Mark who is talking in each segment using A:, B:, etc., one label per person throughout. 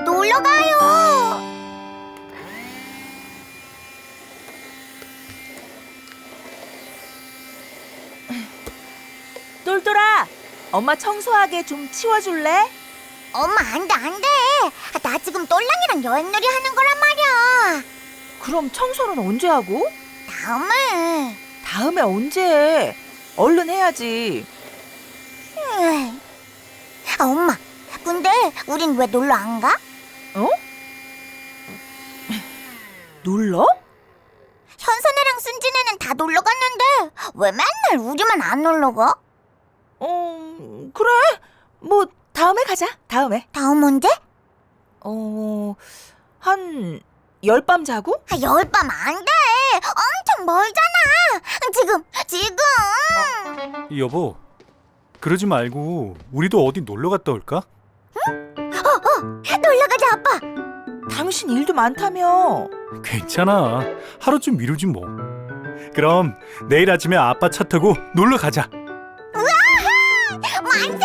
A: 놀러 가요.
B: 똘똘아, 엄마 청소하게 좀 치워줄래?
A: 엄마, 안 돼, 안 돼. 나 지금 똘랑이랑 여행놀이 하는 거란 말이야.
B: 그럼 청소는 언제 하고?
A: 다음에.
B: 다음에 언제 해? 얼른 해야지.
A: 엄마, 근데 우린 왜 놀러 안 가?
B: 어? 놀러?
A: 현선이랑 순진이는 다 놀러 갔는데 왜 맨날 우리만 안 놀러 가?
B: 그래. 뭐 다음에 가자. 다음에.
A: 다음 언제?
B: 한 10밤 자고?
A: 10밤 안 돼. 엄청 멀잖아. 지금.
C: 여보, 그러지 말고 우리도 어디 놀러 갔다 올까?
A: 놀러 가자, 아빠.
B: 당신 일도 많다며.
C: 괜찮아. 하루쯤 미루지 뭐. 그럼 내일 아침에 아빠 차 타고 놀러 가자.
A: 만세!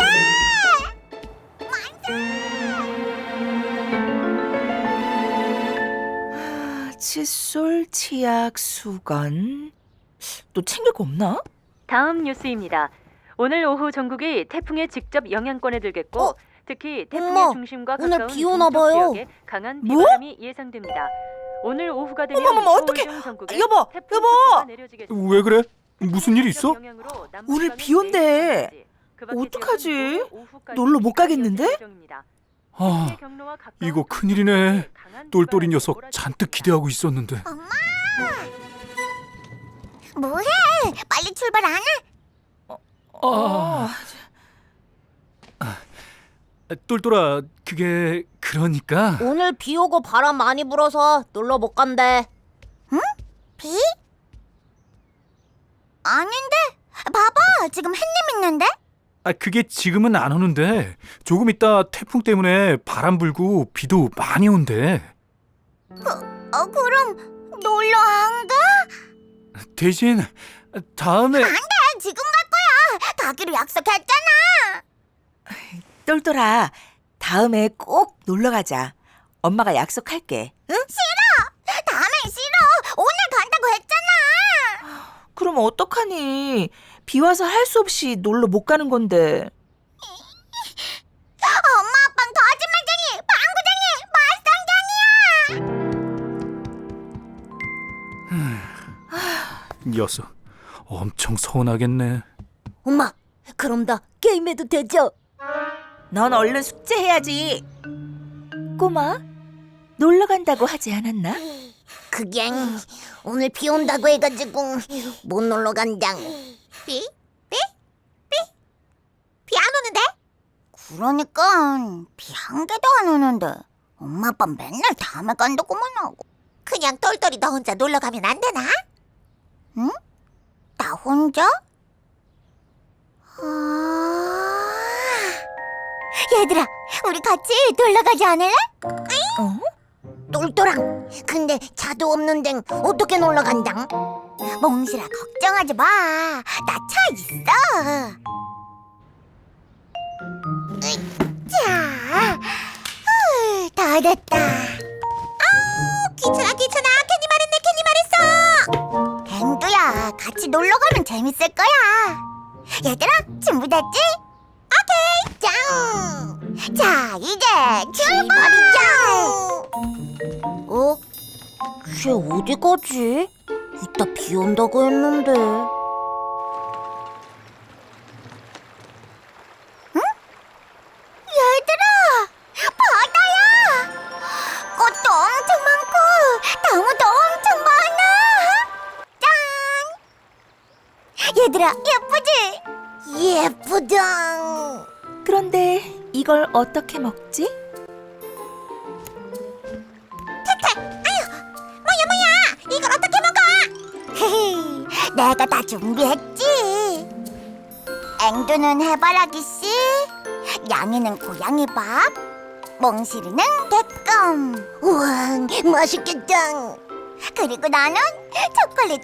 B: 칫솔, 치약, 수건. 또 챙길 거 없나?
D: 다음 뉴스입니다. 오늘 오후 전국이 태풍에 직접 영향권에 들겠고 특히 태풍의
A: 엄마,
D: 중심과
A: 오늘
D: 가까운
A: 비 오나
D: 동쪽
A: 봐요.
D: 지역에 강한
B: 뭐?
D: 비바람이 예상됩니다. 오늘 오후가 되면
B: 어머머머, 어떡해.
D: 서울 등 전국에
B: 여보,
D: 태풍
B: 여보.
D: 특보가 내려지겠습니다.
C: 왜 그래? 무슨 일 있어?
B: 오늘 비 온대. 어떡하지? 놀러 못 가겠는데?
C: 아, 이거 큰일이네. 똘똘이 녀석 잔뜩 기대하고 있었는데.
A: 엄마! 뭐해? 빨리 출발 안 해?
C: 똘똘아, 그게 그러니까
E: 오늘 비 오고 바람 많이 불어서 놀러 못 간대.
A: 비? 아닌데? 봐봐, 지금 햇님 있는데?
C: 그게 지금은 안 오는데 조금 있다 태풍 때문에 바람 불고 비도 많이 온대.
A: 그럼 놀러 안 가?
C: 대신 다음에
A: 안 돼, 지금 갈 거야. 가기로 약속했잖아.
B: 똘똘아, 다음에 꼭 놀러 가자. 엄마가 약속할게. 응?
A: 다음엔 싫어. 오늘 간다고 했잖아.
B: 그럼 어떡하니? 비 와서 할 수 없이 놀러 못 가는 건데.
A: 엄마 아빠는 거짓말쟁이, 방구쟁이, 말썽쟁이야.
C: 녀석 엄청 서운하겠네.
E: 엄마, 그럼 나 게임해도 되죠?
B: 넌 얼른 숙제해야지. 꼬마, 놀러 간다고 하지 않았나?
E: 그게 오늘 비 온다고 해가지고 못 놀러 간당.
A: 비 안 오는데? 그러니까 비 한 개도 안 오는데 엄마 아빠 맨날 다음에 간다고만 하고. 그냥 똘똘이 너 혼자 놀러 가면 안 되나? 응? 나 혼자? 얘들아, 우리 같이 놀러 가지 않을래?
E: 똘똘랑, 근데 차도 없는데 어떻게 놀러 간당?
A: 몽실아, 걱정하지 마. 나 차 있어. 자, 다 됐다. 귀찮아, 괜히 말했네. 앵두야, 같이 놀러 가면 재밌을 거야. 얘들아, 준비됐지? 오케이, 짱. 자, 이제 출발이자.
E: 걔 어디 가지? 이따 비 온다고 했는데.
A: 얘들아, 바다야. 꽃도 엄청 많고 나무도 엄청 많아. 짠. 얘들아, 예쁘지?
E: 예쁘당.
B: 그런데 이걸 어떻게 먹지?
A: 뭐야, 이걸 어떻게 먹어? 내가 다 준비했지. 앵두는 해바라기 씨, 양이는 고양이 밥, 몽실이는 개껌.
E: 우와, 맛있겠당.
A: 그리고 나는 초콜릿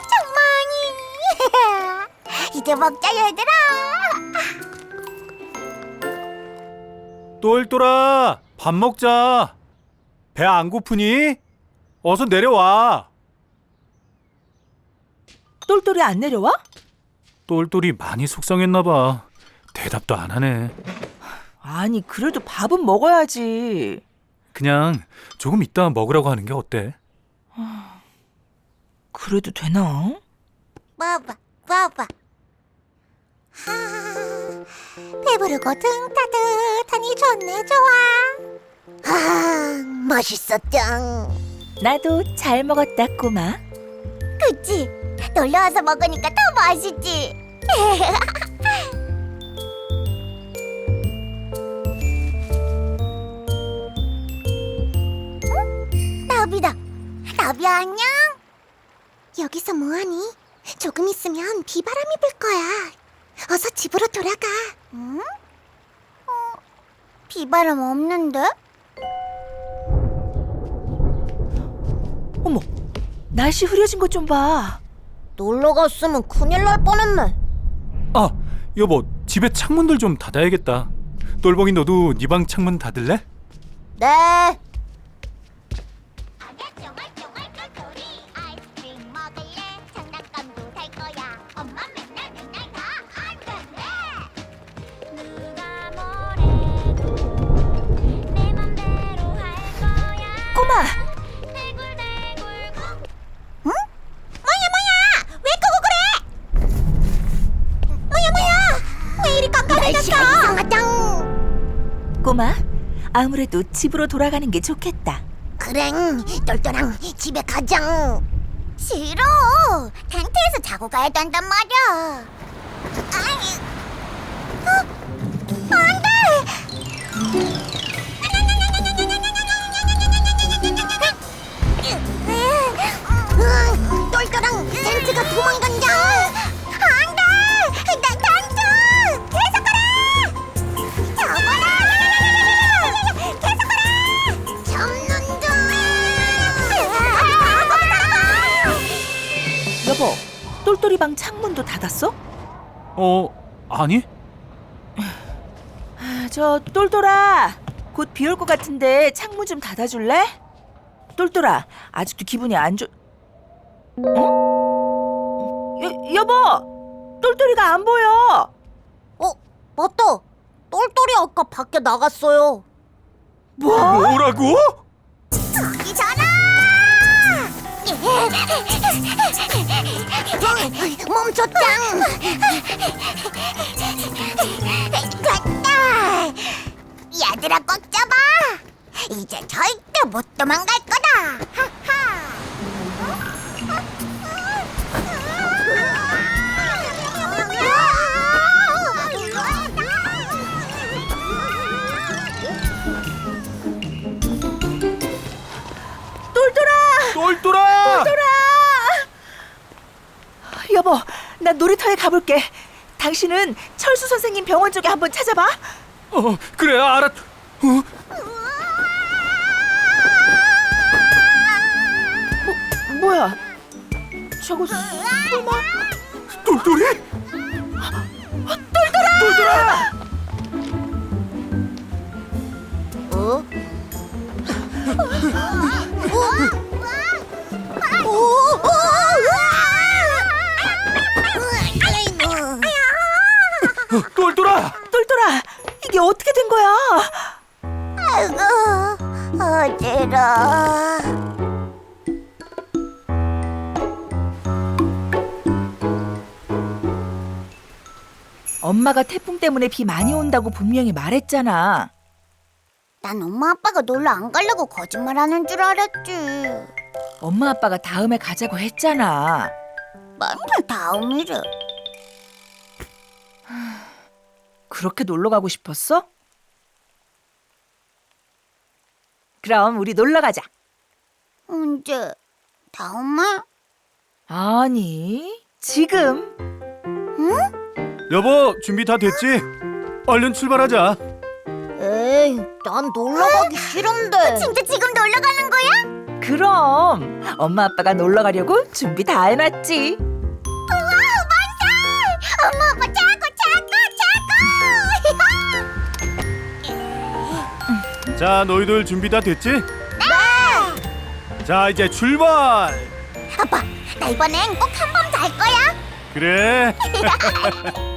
A: 엄청 많이. 이제 먹자, 얘들아.
C: 똘똘아, 밥 먹자. 배 안 고프니? 어서 내려와.
B: 똘똘이 안 내려와?
C: 똘똘이 많이 속상했나 봐. 대답도 안 하네.
B: 아니, 그래도 밥은 먹어야지.
C: 그냥 조금 이따 먹으라고 하는 게 어때?
B: 그래도 되나?
A: 봐봐. 배부르고 등 따뜻하니 좋네, 좋아.
E: 맛있었짱.
B: 나도 잘 먹었다, 꼬마.
A: 그치? 놀러와서 먹으니까 더 맛있지? 응? 나비다. 나비야, 안녕? 여기서 뭐하니? 조금 있으면 비바람이 불 거야. 어서 집으로 돌아가. 응? 비바람 없는데?
B: 어머, 날씨 흐려진 것 좀 봐.
E: 놀러 갔으면 큰일 날 뻔했네.
C: 아, 여보, 집에 창문들 좀 닫아야겠다. 똘봉이 너도 네 방 창문 닫을래?
E: 네.
A: 아이스크림 먹을래? 장난감도 살 거야. 엄마 맨날 다 안 된대. 누가 뭐래도 내 맘대로 할 거야.
B: 꼬마,
A: 응? 뭐야? 왜 끄고 그래? 뭐야? 왜 이리 깜깜해졌어?
E: 이상하짱.
B: 꼬마. 아무래도 집으로 돌아가는 게 좋겠다.
E: 그랭, 똘똘랑 집에 가장.
A: 싫어. 텐트에서 자고 가야 된단 말이야. 아니, 안 돼.
E: 똘똘랑 텐트가 도망간다.
A: 안 돼. 나 텐트. 계속 가라. 잡아라. 계속 가라.
E: 잡는다.
B: 여보, 똘똘이 방 창문도 닫았어?
C: 아니?
B: 저 똘똘아, 곧 비 올 것 같은데 창문 좀 닫아줄래? 똘똘아, 아직도 기분이 안 좋... 여보! 똘똘이가 안 보여!
E: 맞다. 똘똘이 아까 밖에 나갔어요.
C: 뭐라고?
A: 이잖아.
E: 멈췄짱.
A: 됐다. 얘들아 꽉 잡아. 이제 절대 못 도망갈 거다.
C: 똘똘아!
B: 여보, 나 놀이터에 가볼게. 당신은 철수 선생님 병원 쪽에 한번 찾아봐.
C: 그래, 알았.
B: 뭐야? 저거 설마?
C: 똘똘이? 똘똘아!
E: 어?
C: 똘똘아!
B: 똘똘아, 이게 어떻게 된 거야?
A: 아이고, 어지러.
B: 엄마가 태풍 때문에 비 많이 온다고 분명히 말했잖아.
A: 난 엄마 아빠가 놀러 안 가려고 거짓말하는 줄 알았지.
B: 엄마 아빠가 다음에 가자고 했잖아.
A: 맨날 다음이래.
B: 그렇게 놀러 가고 싶었어? 그럼 우리 놀러 가자.
A: 언제? 다음에?
B: 아니, 지금.
C: 여보, 준비 다 됐지? 얼른 출발하자.
E: 에이, 난 놀러 가기 싫은데.
A: 진짜 지금 놀러 가는 거야?
B: 그럼 엄마 아빠가 놀러 가려고 준비 다 해놨지.
A: 엄마 아빠 최고.
C: 자, 너희들 준비 다 됐지?
A: 네!
C: 자, 이제 출발.
A: 아빠, 나 이번엔 꼭 한 번 잘 거야.
C: 그래.